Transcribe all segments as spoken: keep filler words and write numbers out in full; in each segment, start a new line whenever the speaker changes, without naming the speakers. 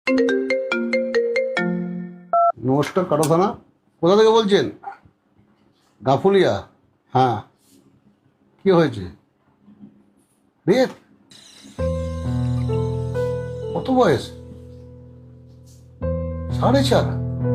নমস্কার, কাটো থানা। কোথা থেকে বলছেন? গাফুলিয়া। হ্যাঁ, কি হয়েছে? রেপ? কত বয়স? সাড়ে চার?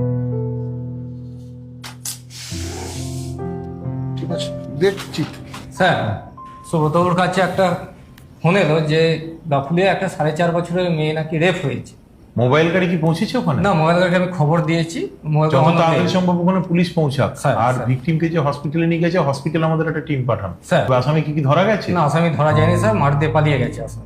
ঠিক আছে, দেখছি।
স্যার, সুব্রতর কাছে একটা ফোন এলো যে গাফুলিয়া একটা সাড়ে চার বছরের মেয়ে নাকি রেপ হয়েছে।
মোবাইল গাড়ি কি পৌঁছেছে ওখানে?
না, মোবাইল গাড়িকে আমি খবর দিয়েছি। মোবাইল
যত তাড়াতাড়ি সম্ভব ওখানে পুলিশ পৌঁছাক।
স্যার,
আর
স্যার।
ভিকটিমকে যে হসপিটালে নিয়ে গেছে, হসপিটালে আমাদের একটা টিম পাঠান।
স্যার।
তবে আসামি কি কি ধরা গেছে?
না, আসামি ধরা যায়নি স্যার, মার দিয়ে পালিয়ে গেছে আসামি।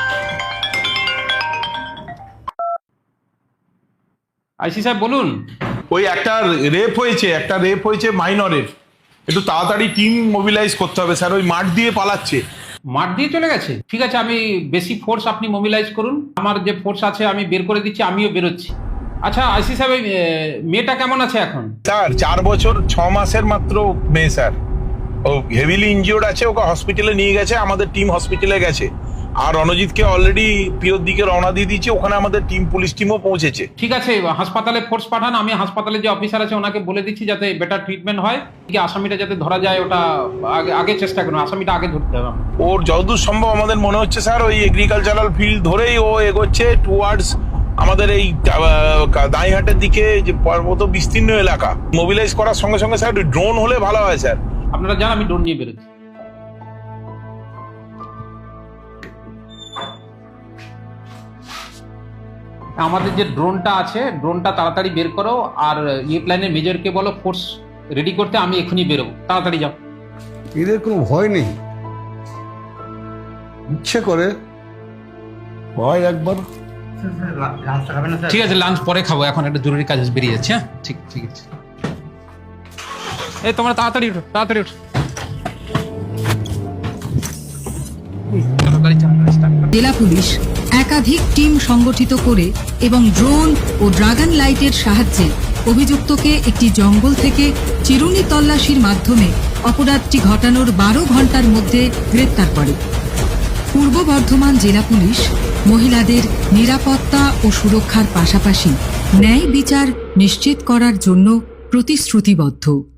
আইসি সাহেব বলুন।
ওই একটা রেপ হয়েছে, একটা রেপ হয়েছে মাইনরের। একটু তাড়াতাড়ি টিম মোবিলাইজ করতে হবে স্যার, ওই মাঠ দিয়ে পালাচ্ছে।
মাঠ দিয়ে চলে গেছে? ঠিক আছে, আমি বেশি ফোর্স আপনি মোবিলাইজ করুন, আমার যে ফোর্স আছে আমি বের করে দিচ্ছি, আমিও বেরোচ্ছি। আচ্ছা আইসি সাহেব, এই, এ, মেয়েটা কেমন আছে এখন?
স্যার চার বছর ছ মাসের মাত্র মেয়ে স্যার। ও হেভিলি ইনজিওর্ড আছে, ওকে হসপিটালে নিয়ে গেছে, আমাদের টিম হসপিটালে গেছে। আর রণজিৎকে অলরেডি পিওর দিকে রওনা দিয়ে দিয়েছে, ওখানে আমাদের টিম পুলিশ টিমও পৌঁছেছে।
ঠিক আছে, হাসপাতালে ফোর্স পাঠান, আমি হাসপাতালে যে অফিসার আছে ওনাকে বলে দিচ্ছি যাতে বেটার ট্রিটমেন্ট হয়, কি আসামিটা যাতে ধরা যায় ওটা আগে আগে চেষ্টা করুন, আসামিটা আগে ধরতে হবে।
ওর যতদূর সম্ভব আমাদের মনে হচ্ছে স্যার ওই এগ্রিকালচারাল ফিল্ড ধরেই ও এগোচ্ছে টুয়ার্ডস আমাদের এই দাঁইহাটের দিকে, যে পর্বত বিস্তীর্ণ এলাকা। মোবিলাইজ করার সঙ্গে সঙ্গে স্যার ড্রোন হলে ভালো হয় স্যার।
আপনারা যান, আমি ড্রোন নিয়ে বেরোচ্ছি। আমাদের যে ড্রোনটা আছে, ড্রোনটা তাড়াতাড়ি বের করো, আর ইয়ে প্ল্যানের মেজরকে বলো ফোর্স রেডি করতে, আমি এখনই বেরোবো, তাড়াতাড়ি যাও।
এদের কোনো ভয় নেই, ইচ্ছে করে ভয় একবার।
ঠিক আছে, লাঞ্চ পরে খাবো, এখন একটা জরুরি কাজ আছে, বেরিয়ে যাচ্ছে। হ্যাঁ, ঠিক ঠিক আছে। এই তোমরা তাড়াতাড়ি উঠো, তাড়াতাড়ি উঠো।
জেলা পুলিশ একাধিক টিম সংগঠিত করে এবং ড্রোন ও ড্রাগন লাইটের সাহায্যে অভিযুক্তকে একটি জঙ্গল থেকে চিরুনি তল্লাশির মাধ্যমে অপরাধটি ঘটানোর বারো ঘন্টার মধ্যে গ্রেপ্তার করে। পূর্ব বর্ধমান জেলা পুলিশ মহিলাদের নিরাপত্তা ও সুরক্ষার পাশাপাশি ন্যায় বিচার নিশ্চিত করার জন্য প্রতিশ্রুতিবদ্ধ।